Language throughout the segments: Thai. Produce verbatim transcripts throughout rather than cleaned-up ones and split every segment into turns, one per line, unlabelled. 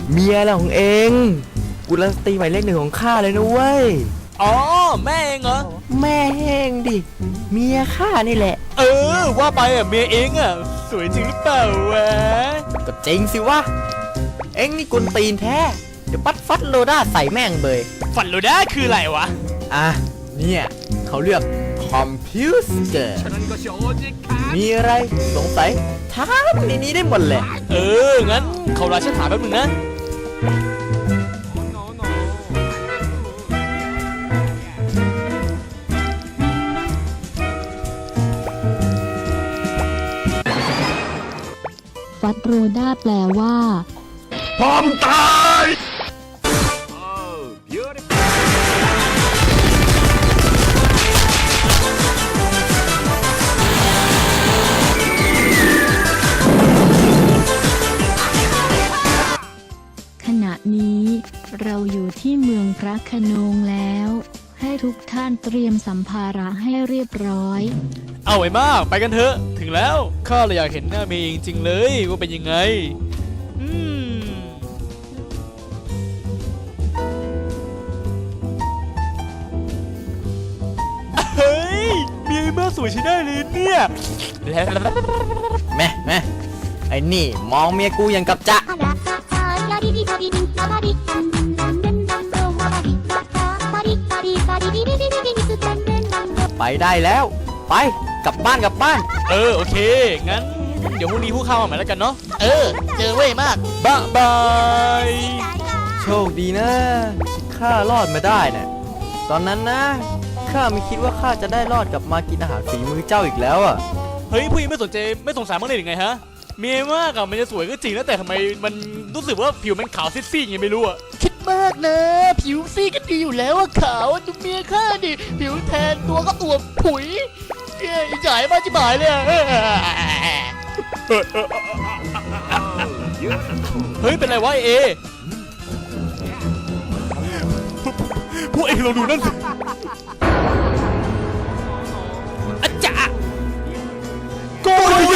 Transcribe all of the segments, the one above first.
เมียอะไรของเองกุลสตรีหมายเลขหนึ่งของข้าเลยนะเว้ย
อ๋อแม่เองเหรอ
แม่เองดิเมียข้านี่แหละ
เออว่าไปอ่ะเมียเองอ่ะสวยจริงหรือเปล่าวะ
ก็จริงสิวะเอ็งนี่กุลตีนแท้เดี๋ยวปัดฟัดโลด้าใส่แม่งเบย
ฟันโลด้าคืออะไรวะ
อ่ะเนี่ยเขาเรียกคอมพิวเตอร์มีอะไรสงสัยถามในนี้ได้หมดเลย
เอองั้นเขาราชถามแป๊บนึงนะ
ฟัดโรด้าแปลว่า
พร้อมตาย
ขณะนี้เราอยู่ที่เมืองพระโขนงแล้วให้ทุกท่านเตรียมสัมภาระให้เรียบร้อย
เอาไว้มากไปกันเถอะถึงแล้วข้าเลยอยากเห็นหน้าเมย์จริงๆเลยว่าเป็นยังไงอืมเฮ้ยเมียมาสวยใช้ได้เลยเนี่ย
แม่แม่ไอ้นี่มองเมียกูอย่างกับจะไปได้แล้วไปกลับบ้านกลับบ้าน
เออโอเคงั้นเดี๋ยวพรุ่งนี้ผู้เข้ามาใหม่แล้วกันเนาะเออเจอเว้ยมากบ๊ายบาย
โชคดีนะข้ารอดมาได้นะตอนนั้นนะข้าไม่คิดว่าข้าจะได้รอดกลับมากินอาหารฝีมือเจ้าอีกแล้วอ่ะ
เฮ้ยผู้หญิงไม่สนใจไม่สงสารมั้งเลยหรือไงฮะเมียมากอะมันจะสวยก็จริงแล้วแต่ทำไมมันรู้สึกว่าผิวมันขาวซีดๆยังไม่รู้อะคิดมากนะผิวซีดก็ดีอยู่แล้วอะขาวดูเมียข้าดิผิวแทนตัวก็อวบผุยเฮ้ยจ่ายมาจิ๋ายเลยเฮ้ยเป็นไรวะเอพวกเองลองดูนั่นสิอาจารย์โกย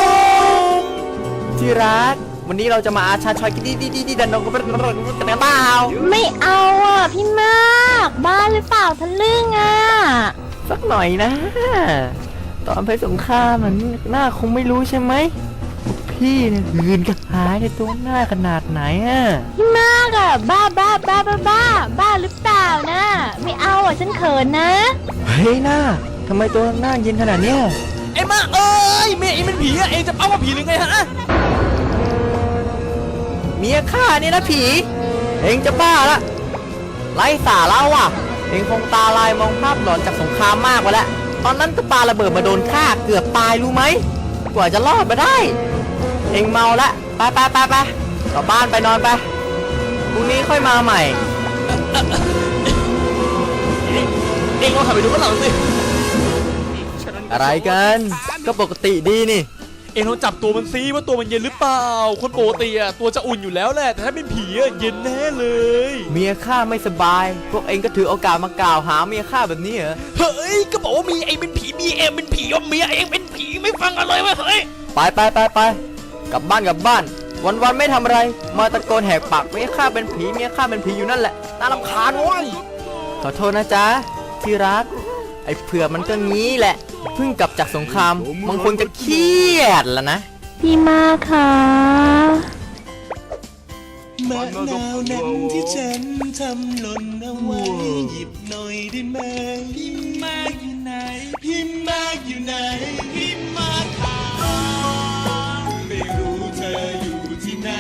ที่รักวันนี้เราจะมาอาชาชอยกินดีดีดีดันดงกันเป็นกันเปล่า
ไม่เอาอ่ะพี่มากบ้าหรือเปล่าทะลึ่งอ่ะ
สักหน่อยนะตอนไปสงครามมันหน้าคงไม่รู้ใช่ไหมพี่เนี่ยหืนกระหายในตัวหน้าขนาดไหนอ่ะ
พี่มากอ่ะบ้าบ้าบ้าบ้าบ้าบ้าหรือเปล่านะไม่เอาอ่ะฉันเขินนะ
เฮ้ยหน้าทำไมตัวหน้าเย็นขนาดเนี้ย
เอ็มมาเอ้ยเมียเอ็มเป็นผีอะเอ็งจะเอาว่าผีหรือไงฮะ
เมียข้านี่นะผีเอ็งจะบ้าละไร้สาระว่ะเอ็งคงตาลายมองภาพหลอนจากสงครามมากไปแล้วตอนนั้นก็ปาระเบิดมาโดนข้าเกือบตายรู้ไหมกว่าจะรอดมาได้เอ็งเมาละไปไปไปไปกลับบ้านไปนอนไปพรุ่งนี้ค่อยมาใหม่
เอ็งลองขับไปดูข้างหลังสิ
อะไรกันก็ปกติดีนี่
เอ็งลองจับตัวมันซิว่าตัวมันเย็นหรือเปล่าคนปกติอะตัวจะอุ่นอยู่แล้วแหละแต่ถ้าเป็นผีอะเย็นแน่เลย
เมียข้าไม่สบายพวกเอ็งก็ถือโอกาสมากล่าวหาเมียข้าแบบนี้เหรอ
เฮ้ยก็บอกว่ามีเอ็งเป็นผีมีเอ็งเป็นผีว่าเมียเอ็งเป็นผีไม่ฟังอะไรวะเฮ้ย
ไปไปไปไปกลับบ้านกลับบ้านวันวันไม่ทำอะไรมาตะโกนแหกปากเมียข้าเป็นผีเมียข้าเป็นผีอยู่นั่นแหละน่ารำคาญโว้ยขอโทษนะจ๊ะที่รักไอ้เผื่อมันก็งี้แหละเพิ่งกลับจากสงครามมันคงจะเครียดแล้วนะ
พี่มาค่ะ
มะนาวนั้นที่ฉันทำหล่นเอาไว้หยิบหน่อยได้ไหมพี่มากอยู่ไหนพี่มากอยู่ไหนพี่มากค่ะไม่รู้เธออยู่ที่ไหน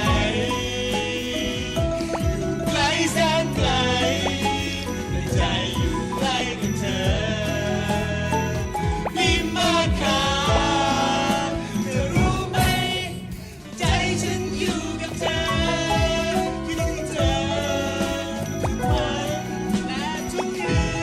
อยู่ไกลแสนไกลแต่ใจอยู่ใกล้กับเธอพี่มากค่ะเธอรู้ไหมใจฉันอยู่กับเธอคิดถึงเธอทุกวันและทุกคืน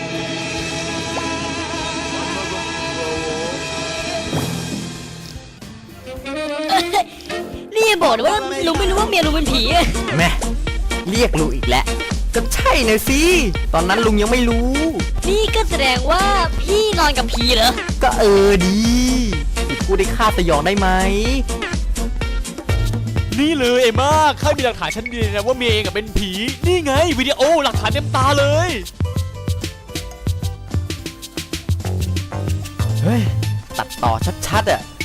นี่บอกว่าลุงไม่รู้ว่าเมียลุงเป็นผี
แม่เรียกลุงอีกแล้วก็ใช่นะสิตอนนั้นลุงยังไม่รู้
นี่ก็แสดงว่าพี่นอนกับผีเหรอ
ก็เออดีกูได้ฆ่าสยองได้ไหม
นี่เลยเอ็มม่าข้ามีหลักฐานชั้นดีนะว่าเมียเองอะเป็นผีนี่ไงวิดีโอหลักฐานเต็มตาเลย
เฮ้ย ตัดต่อชัดๆอ่ะ